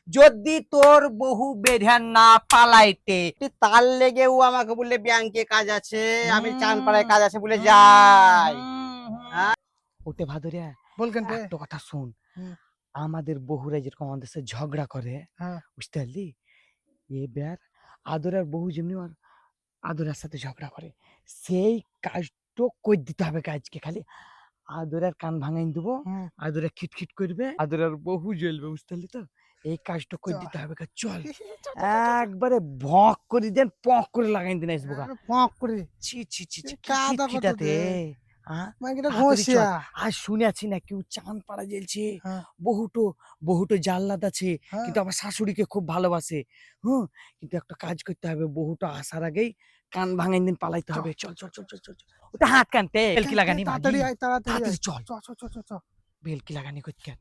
যদি তোর বহু বেরিয়ান না পালাইতে। তার লেগে ও আমাকে বললে ব্যাংকে কাজ আছে, আমি চানপাড়ায় কাজ আছে বলে যাই। ওটে ভাদুরিয়া বলকেন একটা কথা শুন, হুম। আমাদের বহুরা যেরকম আমাদের সাথে ঝগড়া করে, বুঝতে পারলি, এবার আদরের বহু যেমনি আদরের সাথে ঝগড়া করে, সেই কাজটা কই দিতে হবে কাজকে, খালি আদরের কান ভাঙাই দেবো, আদরে খিটখিট করবে, আদরের বহু জ্বলবে, বুঝতে পারলি তো? এই কাজটা কই দিতে হবে, চল একবারে ভক করে দেন, পক করে লাগাই দিন আসবো, পক করে ছি ছি ছি ছি, কাদা কত খিটখিটাতে দে মাইকেটা তাড়াতাড়ি চল। ঘষিয়া আর শুনেছি না কেউ চাঁদ পাড়া জ্বলছে, বহুটো বহুটো জাল্লাদ আছে, কিন্তু আমার শাশুড়িকে খুব ভালোবাসে। কিন্তু একটা কাজ করতে হবে, বহুটো আসার আগেই কান ভাঙাই দিন পালাইতে হবে। চল চল চল চল চল চল। ওটা হাত কানতে বেলকি লাগানি, তাড়াতাড়ি আয় তাড়াতাড়ি চল চ চ চ চ চ বেলকি লাগানি করতে।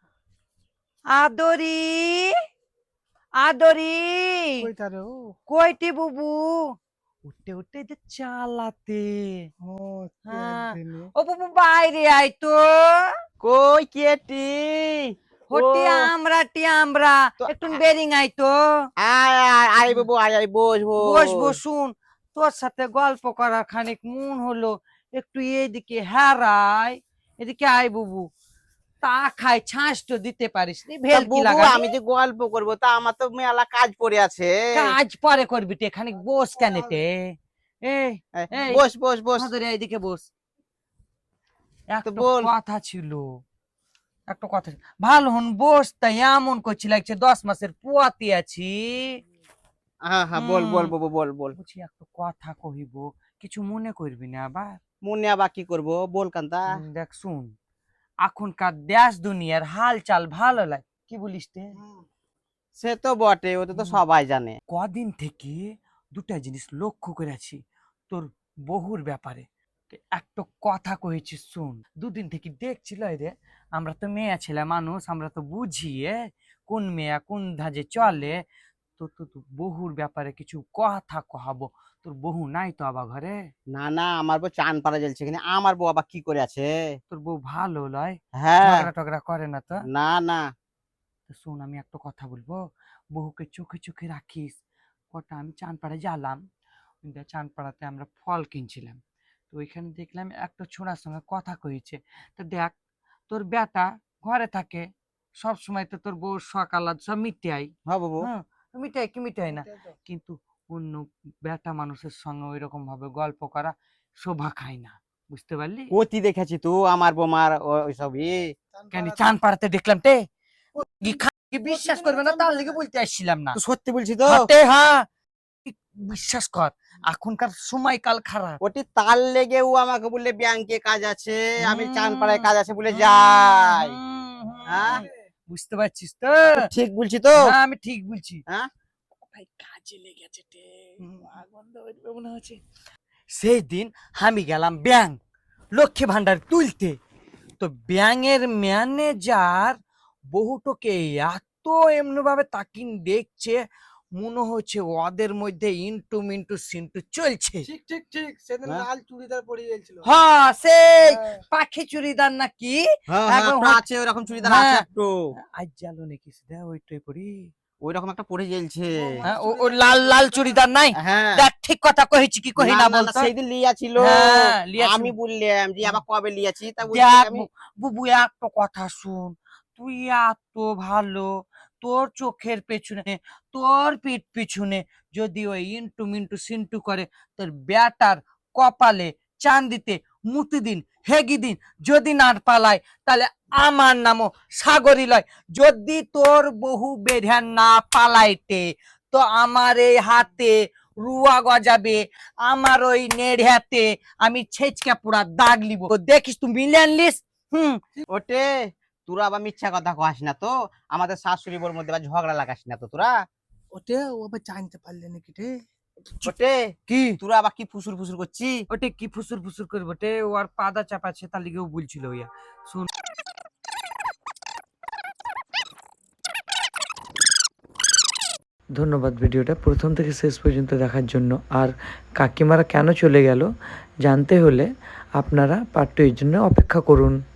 আদরি আদরি কইতা রে ও কইটি বুবু, উঠতে উঠতে যে চালাতে। ও ও বুবু বাইরে আয় তো। কই কেটি? হটি আমরা একটু বেরিং আই তো। আয় আয় আয় বাবু, আয় আয়, বস বস বসুন, তোর সাথে গল্প করার খানিক মন হলো, একটু এইদিকে হারাই, এদিকে আয় বুবু। তা খাই ছাঁচ তো দিতে পারিস নি, ভেলকি লাগা। আমি যে গল্প করবো, তা আমার তো মেলা কাজ পড়ে আছে। কাজ পরে করবি তে, খানিক বস কেনেতে। এই বস বস বস, ধরে এইদিকে বস। একটা বল। কথা ছিল, একটা কথা ভালো হন বস, তাই এমন করছি লাগছে 10 মাসের পুয়াতি আছি। হ্যাঁ বল বল বাবু, বল বল। বুঝি একটা কথা কহিব, কিছু মনে করবি না আবার? মনে আবার কি করবো, বল কান্তা। দেখ শুন, এখনকার দেশ দুনিয়ার হাল চাল ভালো লাগে, কি বলিস তে? সে তো বটে, ওটা তো সবাই জানে। কদিন থেকে দুটা জিনিস লক্ষ্য করেছি তোর বহুর ব্যাপারে, একটা কথা কয়েছি শুন। দুদিন থেকে দেখছিল রে, আমরা তো মেয়ে ছেলে মানুষ, আমরা তো বুঝি কোন মেয়ে কোন ধাজে চলে। তো তো বহুর ব্যাপারে কিছু কথা কহাবো। তোর বহু নাই তো আবার ঘরে? না না, আমার বউ চান পাড়া জ্বলছে, এখানে আমার বউ আবার কি করে আছে? তোর বউ ভালো লয়? হ্যাঁ, ঝগড়া টগড়া করে না তো? না না। শোন, আমি একটা কথা বলবো, বহুকে চোখে চোখে রাখিস। কটা আমি চানপাড়ায় গেলাম, চানপাড়াতে আমরা ফল কিনছিলাম, তো ওইখানে দেখলাম একটা ছোড়ার সঙ্গে কথা কইছে। তো দেখ, তোর বেটা ঘরে থাকে সব সময়, তো তোর বউ সকাল সব মিটাই, হ্যাঁ বাবু, মিটাই কি মিটাই না, কিন্তু অন্য বেটা মানুষের সঙ্গে ওই রকম ভাবে গল্প করা শোভা খায় না, বুঝতে পারলি? অতি দেখেছি তো আমার বৌমার ওইসবই। কেন চানপাড়াতে দেখলাম তে, বিশ্বাস করবে না, তার লিগে বলতে আসছিলাম না। সত্যি বলছি তো। হ্যাঁ, বিশ্বাস কর, এখনকার সময়কাল খারাপ। ওটি তার লেগে ও আমাকে বললে ব্যাংকে কাজ আছে, আমি চানপাড়ায় কাজ আছে বলে যাই। হ্যাঁ, বুঝতে পারছিস তো? ঠিক বলছি তো? হ্যাঁ, আমি ঠিক বলছি। হ্যাঁ, কাজে লেগেছে মনে হচ্ছে। সেই দিন আমি গেলাম ব্যাংক লক্ষ্মী ভান্ডার তুলতে, তো ব্যাংকের ম্যানেজার বহুটোকে এত এমনি ভাবে তাকিন দেখছে, মনে হচ্ছে ওদের মধ্যে ইন্টু মিন্টু সিন্টু চলছে। ঠিক ঠিক ঠিক সেদিন লাল চুড়িদার পরে গেছিল। হ্যাঁ, সেই পাখি চুড়িদার নাকি, একদম আছে ওরকম চুড়িদার আছে একটু। আজ জানো নাকি সেটা ওইটাই পরি, ওই রকম একটা পরে জ্বলছে। ও লাল লাল চুড়িদার নাই? দেখ ঠিক কথা কইছি কি কই না বল? সেই দিন লিয়া ছিল, আমি বললাম যে আবার কবে লিয়াছি, তা বুবু একটা কথা শুন, তুই এত ভালো, তোর চোখের পেছনে তোর পিঠ পিছনে যদি ওই ইন্টু মিন্টু সিন্টু করে, তোর ব্যাটার কপালে চান্দিতে মুতি দিন হেগি দিন যদি না পালায়, তাহলে আমার নামও সাগরী লয়। যদি তোর বহু বেড়া না পালাইতে, তো আমার এই হাতে রুয়া গজাবে, আমার ওই নেড়াতে আমি ছেচকা পুরা দাগ লিব, দেখিস তুই মিলিয়ন লিস। ওটে তোরা আবার মিথ্যা কথা কহাস না তো, আমাদের শাশুড়ি বোর মধ্যে ঝগড়া লাগাস না তো তোরা। ওটে ও আবার জানতে পারলে নাকি রে? ওটে কি তোরা আবার কি ফুসুর ফুসুর করছি? ওটে কি ফুসুর ফুসুর করবো তে, ও আর পাদা চাপাচ্ছে, তার লিগেও বলছিল ইয়া। শুন, ধন্যবাদ ভিডিওটা প্রথম থেকে শেষ পর্যন্ত দেখার জন্য। আর কাকিমারা কেন চলে গেল জানতে হলে আপনারা পার্ট 2 এর জন্য অপেক্ষা করুন।